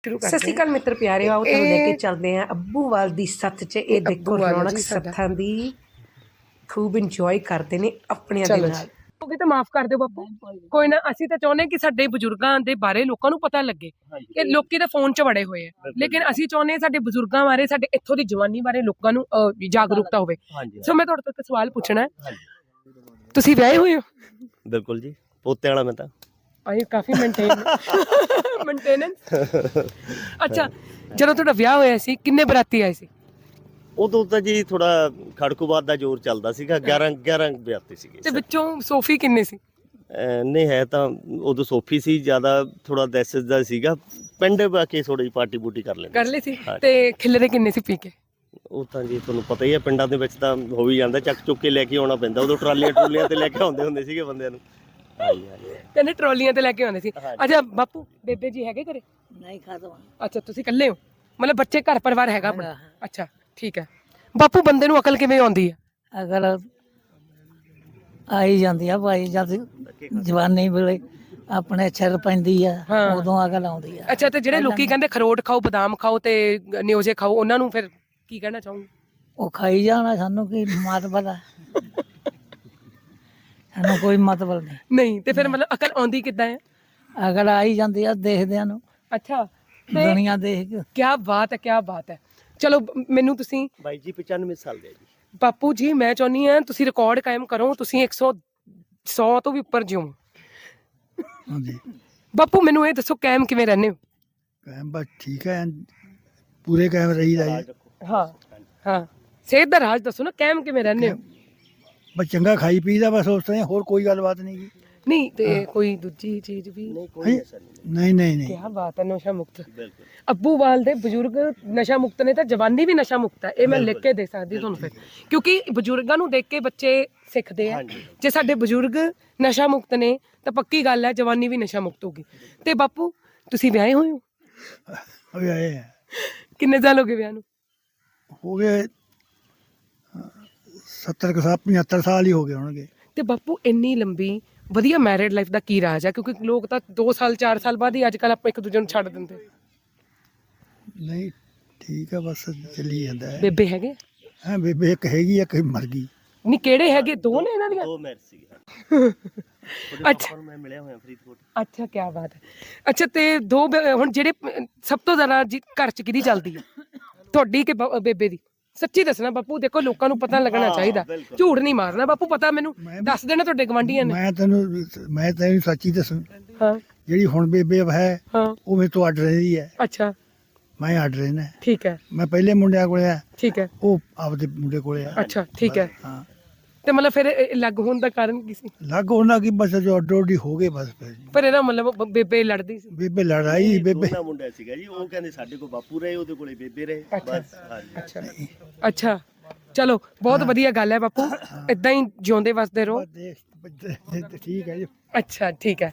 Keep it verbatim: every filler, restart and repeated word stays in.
ਸਤਿ ਸ਼੍ਰੀ ਅਕਾਲ ਮਿੱਤਰ ਪਿਆਰੇ, ਆਓ ਤੁਹਾਨੂੰ ਲੈ ਕੇ ਚੱਲਦੇ ਹਾਂ ਅੱਬੂਵਾਲ ਦੀ ਸੱਥ 'ਚ। ਇਹ ਦੇਖੋ ਰੌਣਕ ਸੱਥਾਂ ਦੀ ਖੂਬ ਇੰਜੋਏ ਕਰਦੇ ਨੇ ਆਪਣਿਆਂ ਦੇ ਨਾਲ। ਉਹ ਵੀ ਤਾਂ ਮਾਫ ਕਰ ਦਿਓ ਬਾਪੂ, ਕੋਈ ਨਾ। ਅਸੀਂ ਤਾਂ ਚਾਹੁੰਦੇ ਕਿ ਸਾਡੇ ਬਜ਼ੁਰਗਾਂ ਦੇ ਬਾਰੇ ਲੋਕਾਂ ਨੂੰ ਪਤਾ ਲੱਗੇ ਕਿ ਲੋਕੀ ਤਾਂ ਫੋਨ 'ਚ ਵੜੇ ਹੋਏ ਆ, ਲੇਕਿਨ ਅਸੀਂ ਚਾਹੁੰਦੇ ਸਾਡੇ ਬਜ਼ੁਰਗਾਂ ਬਾਰੇ, ਸਾਡੇ ਇੱਥੋਂ ਦੀ ਜਵਾਨੀ ਬਾਰੇ ਲੋਕਾਂ ਨੂੰ ਜਾਗਰੂਕਤਾ ਹੋਵੇ। ਸੋ ਮੈਂ ਤੁਹਾਡੇ ਤੋਂ ਇੱਕ ਸਵਾਲ ਪੁੱਛਣਾ ਹੈ, ਤੁਸੀਂ ਵਿਆਹੇ ਹੋਏ ਹੋ? ਬਿਲਕੁਲ ਜੀ, ਪੋਤੇ ਵਾਲਾ ਮੈਂ ਤਾਂ। ਆਈ ਕਾਫੀ ਮੇਨਟੇਨ ਮੇਨਟੇਨੈਂਸ। ਅੱਛਾ, ਜਦੋਂ ਤੁਹਾਡਾ ਵਿਆਹ ਹੋਇਆ ਸੀ ਕਿੰਨੇ ਬਰਾਤੀ ਆਏ ਸੀ? ਉਦੋਂ ਤਾਂ ਜੀ ਥੋੜਾ ਖੜਕੂਬਾਦ ਦਾ ਜ਼ੋਰ ਚੱਲਦਾ ਸੀਗਾ, ਗਿਆਰਾਂ ਗਿਆਰਾਂ ਵਿਆਹਤੇ ਸੀਗੇ ਤੇ ਵਿੱਚੋਂ ਸੋਫੀ ਕਿੰਨੇ ਸੀ? ਨਹੀਂ ਹੈ ਤਾਂ ਉਦੋਂ ਸੋਫੀ ਸੀ, ਜ਼ਿਆਦਾ ਥੋੜਾ ਦਹਿਸ਼ਤ ਦਾ ਸੀਗਾ। ਪਿੰਡ ਬਾਕੀ ਥੋੜੀ ਪਾਰਟੀ ਬੂਟੀ ਕਰ ਲੈਂਦੇ ਕਰ ਲਈ ਸੀ। ਤੇ ਖਿਲਰੇ ਕਿੰਨੇ ਸੀ ਪੀ ਕੇ? ਉਹ ਤਾਂ ਜੀ ਤੁਹਾਨੂੰ ਪਤਾ ਹੀ ਹੈ, ਪਿੰਡਾਂ ਦੇ ਵਿੱਚ ਤਾਂ ਹੋ ਹੀ ਜਾਂਦਾ, ਚੱਕ ਚੁੱਕ ਕੇ ਲੈ ਕੇ ਆਉਣਾ ਪੈਂਦਾ। ਉਦੋਂ ਟਰਾਲੀਆਂ ਟਰੂਲੀਆਂ ਤੇ ਲੈ ਕੇ ਆਉਂਦੇ ਹੁੰਦੇ ਸੀਗੇ ਬੰਦਿਆਂ ਨੂੰ। ਹਾਂਜੀ ਹਾਂਜੀ, ਕਹਿੰਦੇ ਟਰਾਲੀਆਂ ਤੇ ਲੈ ਕੇ ਆਉਂਦੇ ਸੀ। ਅੱਛਾ ਬਾਪੂ, ਬੇਬੇ ਜੀ ਹੈਗੇ ਘਰੇ? ਨਹੀਂ ਖਤਮ। ਅੱਛਾ, ਤੁਸੀਂ ਇਕੱਲੇ ਹੋ, ਮਤਲਬ ਬੱਚੇ ਘਰ ਪਰਿਵਾਰ ਹੈਗਾ ਆਪਣਾ? ਅੱਛਾ ਠੀਕ ਹੈ। ਬਾਪੂ, ਬੰਦੇ ਨੂੰ ਅਕਲ ਕਿਵੇਂ ਆਉਂਦੀ ਹੈ? ਅਗਰ ਆਈ ਜਾਂਦੀ ਆ ਭਾਈ, ਜਦ ਜਵਾਨੀ ਵੇਲੇ ਆਪਣੇ ਸਿਰ ਪੈਂਦੀ ਆ ਉਦੋਂ ਅਕਲ ਆਉਂਦੀ ਆ। ਅੱਛਾ, ਤੇ ਜਿਹੜੇ ਲੋਕੀ ਕਹਿੰਦੇ ਖਰੋਟ ਖਾਓ, ਬਦਾਮ ਖਾਓ ਤੇ ਨਿਓਜੇ ਖਾਓ, ਉਹਨਾਂ ਨੂੰ ਫਿਰ ਕੀ ਕਹਿਣਾ ਚਾਹੋਗੇ? ਉਹ ਖਾਈ ਜਾਣਾ, ਸਾਨੂੰ ਕੀ ਮਤਲਬ ਆ? ਸਾਨੂੰ ਕੋਈ ਮਤਲਬ ਨਹੀਂ। ਨਹੀਂ ਤੇ ਫਿਰ ਮਤਲਬ ਅਕਲ ਆਉਂਦੀ ਕਿੱਦਾਂ ਹੈ? ਅਕਲ ਆਈ ਜਾਂਦੀ ਆ ਦੇਖਦਿਆਂ ਨੂੰ। ਅੱਛਾ, ਦੁਨੀਆ ਦੇਖ ਕੇ। ਕੀ ਬਾਤ ਹੈ, ਕੀ ਬਾਤ ਹੈ। ਚਲੋ ਮੈਨੂੰ ਤੁਸੀਂ ਬਾਈ ਜੀ ਪਚਾਨਵੇਂ ਸਾਲ ਦੇ ਜੀ। ਬਾਪੂ ਜੀ, ਮੈਂ ਚਾਹੁੰਦੀ ਹਾਂ ਤੁਸੀਂ ਰਿਕਾਰਡ ਕਾਇਮ ਕਰੋ, ਤੁਸੀਂ ਇੱਕ ਸੌ ਸੌ ਤੋਂ ਵੀ ਉੱਪਰ ਜਿਓ। ਹਾਂਜੀ ਬਾਪੂ, ਮੈਨੂੰ ਇਹ ਦੱਸੋ ਕਾਇਮ ਕਿਵੇਂ ਰਹਿੰਦੇ ਹੋ? ਕਾਇਮ ਬਸ ਠੀਕ ਹੈ, ਪੂਰੇ ਕਾਇਮ ਰਹੀਦਾ ਜੀ। ਹਾਂ ਹਾਂ, ਸਿਹਤ ਦਾ ਰਾਜ ਦੱਸੋ ਨਾ, ਕਾਇਮ ਕਿਵੇਂ ਰਹਿੰਦੇ ਹੋ? ਬਸ ਚੰਗਾ ਖਾਈ ਪੀਦਾ, ਬਸ ਉਸ ਤਰ੍ਹਾਂ, ਹੋਰ ਕੋਈ ਗੱਲਬਾਤ ਨਹੀਂ ਜੀ। ਨਹੀਂ ਤੇ ਕੋਈ ਦੂਜੀ ਚੀਜ਼ ਵੀ? ਨਹੀਂ ਕੋਈ ਐਸਾ ਨਹੀਂ। ਨਹੀਂ ਨਹੀਂ ਨਹੀਂ, ਕੀ ਬਾਤ ਹੈ, ਨਸ਼ਾ ਮੁਕਤ। ਬਿਲਕੁਲ ਅੱਬੂਵਾਲ ਦੇ ਬਜ਼ੁਰਗ ਨਸ਼ਾ ਮੁਕਤ ਨੇ, ਤਾਂ ਜਵਾਨੀ ਵੀ ਨਸ਼ਾ ਮੁਕਤ ਹੈ। ਇਹ ਮੈਂ ਲਿਖ ਕੇ ਦੇ ਸਕਦੀ ਤੁਹਾਨੂੰ ਫਿਰ, ਕਿਉਂਕਿ ਬਜ਼ੁਰਗਾਂ ਨੂੰ ਦੇਖ ਕੇ ਬੱਚੇ ਸਿੱਖਦੇ ਆ। ਜੇ ਸਾਡੇ ਬਜ਼ੁਰਗ ਨਸ਼ਾ ਮੁਕਤ ਨੇ ਤਾਂ ਪੱਕੀ ਗੱਲ ਹੈ ਜਵਾਨੀ ਵੀ ਨਸ਼ਾ ਮੁਕਤ ਹੋਗੀ। ਤੇ ਬਾਪੂ, ਤੁਸੀਂ ਵਿਆਹੇ ਹੋਏ ਹੋ? ਅਭੀ ਆਏ ਹੈ, ਕਿੰਨੇ ਸਾਲ ਹੋ ਗਏ ਵਿਆਹ ਨੂੰ? ਹੋ ਗਏ ਸੱਤਰ ਕੁ ਸਾਲ, ਪਝੱਤਰ ਸਾਲ ਹੀ ਹੋ ਗਏ ਹੋਣਗੇ। ਤੇ ਬਾਪੂ, ਇੰਨੀ ਲੰਬੀ ਵਧੀਆ ਮੈਰਿਡ ਲਾਈਫ ਦਾ ਕੀ ਰਾਜ ਹੈ? ਕਿਉਂਕਿ ਲੋਕ ਤਾਂ ਦੋ ਸਾਲ ਚਾਰ ਸਾਲ ਬਾਅਦ ਹੀ ਅੱਜ ਕੱਲ੍ਹ ਆਪਾਂ ਇੱਕ ਦੂਜੇ ਨੂੰ ਛੱਡ ਦਿੰਦੇ। ਨਹੀਂ ਠੀਕ ਹੈ, ਬਸ ਚੱਲੀ ਜਾਂਦਾ ਹੈ। ਬੇਬੇ ਹੈਗੇ? ਹਾਂ ਬੇਬੇ ਇੱਕ ਹੈਗੀ ਆ, ਇੱਕ ਮਰ ਗਈ। ਨਹੀਂ, ਕਿਹੜੇ ਹੈਗੇ? ਦੋ ਨੇ ਇਹਨਾਂ ਦੀਆਂ? ਦੋ ਮੈਰਿਜ ਸੀਗੇ। ਅੱਛਾ ਮੈਂ ਮਿਲਿਆ ਹੋਇਆ ਫਰੀਦਕੋਟ। ਅੱਛਾ, ਕੀ ਬਾਤ ਹੈ। ਅੱਛਾ, ਤੇ ਦੋ ਬੇ- ਹੁਣ ਜਿਹੜੇ ਅਹ, ਸਭ ਤੋਂ ਜ਼ਿਆਦਾ ਜੀ ਘਰ 'ਚ ਕਿਹਦੀ ਚੱਲਦੀ ਹੈ, ਤੁਹਾਡੀ ਕਿ ਬ- ਬੇਬੇ ਦੀ? ਸੱਚੀ ਦੱਸਣਾ ਬਾਪੂ, ਦੇਖੋ ਲੋਕਾਂ ਨੂੰ ਪਤਾ ਲੱਗਣਾ ਚਾਹੀਦਾ, ਝੂਠ ਨਹੀਂ ਮਾਰਨਾ ਬਾਪੂ। ਪਤਾ ਮੈਨੂੰ ਦੱਸ ਦੇਣਾ ਤੁਹਾਡੇ ਗਵਾਂਢੀਆਂ ਨੇ। ਮੈਂ ਤੈਨੂੰ ਮੈਂ ਤੈਨੂੰ ਸੱਚੀ ਦੱਸਾਂ, ਹਾਂ ਜਿਹੜੀ ਹੁਣ ਬੇਬੇ ਹੈ ਹਾਂ, ਉਹ ਮੇਰੇ ਤੋਂ ਅੱਡ ਰਹੀ ਹੈ, ਅੱਛਾ ਮੈਂ ਅੱਡ ਰਹਿਣਾ। ਠੀਕ ਹੈ ਮੈਂ ਪਹਿਲੇ ਮੁੰਡਿਆਂ ਕੋਲੇ ਆ, ਠੀਕ ਹੈ, ਉਹ ਆਪਦੇ ਮੁੰਡੇ ਕੋਲੇ ਆ। ਅੱਛਾ ਠੀਕ ਹੈ। ਹਾਂ, ਤੇ ਮਤਲਬ ਫਿਰ ਇਹ ਲੱਗ ਹੋਣ ਦਾ ਕਾਰਨ ਕੀ ਸੀ? ਲੱਗ ਉਹਨਾਂ ਕੀ ਬਸ ਜੋ ਅੱਡੋ ਅੱਡੀ ਹੋ ਗਏ ਬਸ। ਫਿਰ ਪਰ ਇਹਦਾ ਮਤਲਬ ਬ- ਬੇਬੇ ਲੜਦੀ ਸੀ? ਬੇਬੇ ਲੜਾਈ, ਬੇਬੇ ਦੋਨਾਂ ਮੁੰਡਾ ਸੀਗਾ ਜੀ, ਉਹ ਕਹਿੰਦੇ ਸਾਡੇ ਕੋਲ ਬਾਪੂ ਰਹੇ, ਉਹਦੇ ਕੋਲੇ ਬੇਬੇ ਰਹੇ। ਬਸ ਹਾਂਜੀ। ਅੱਛਾ ਅੱਛਾ, ਚਲੋ ਬਹੁਤ ਵਧੀਆ ਗੱਲ ਹੈ ਬਾਪੂ, ਇਦਾਂ ਹੀ ਜਿਉਂਦੇ ਵਸਦੇ ਰਹੋ। ਦੇਖ ਠੀਕ ਹੈ ਜੀ। ਅੱਛਾ ਠੀਕ ਹੈ।